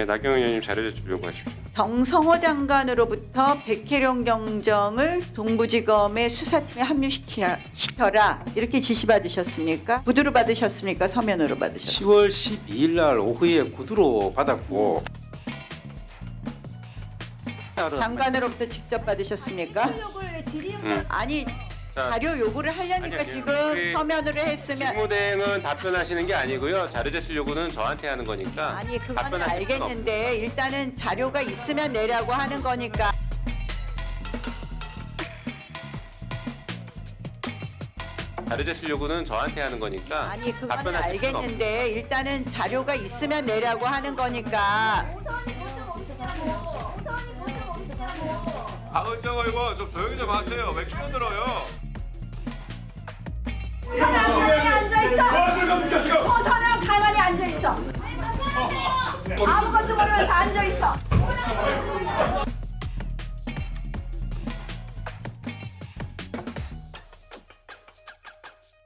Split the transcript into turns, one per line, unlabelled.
네, 나경원 의원님 자료 제출 요구하십시오.
정성호 장관으로부터 백혜령 경정을 동부지검의 수사팀에 합류시켜라 이렇게 지시받으셨습니까? 구두로 받으셨습니까? 서면으로 받으셨습니까?
10월 12일 날 오후에 구두로 받았고
장관으로부터 직접 받으셨습니까? 아니 자료 요구를 하려니까
아니요,
지금
우리
서면으로 했으면
직무대행은 답변하시는 게 아니고요. 자료 제출 요구는 저한테 하는 거니까.
아니 그건
답변하실 수는
알겠는데 일단은 자료가 있으면 내라고 하는 거니까
자료 제출 요구는 저한테 하는 거니까.
아니 그건
답변하실 수는
알겠는데 일단은 자료가 있으면 내라고 하는 거니까
박은정 의원 좀 조용히 좀 하세요. 왜 끼어들어요?
가만히 앉아 있어. 초선은 가만히 앉아 있어. 아무것도 모르면서 앉아 있어.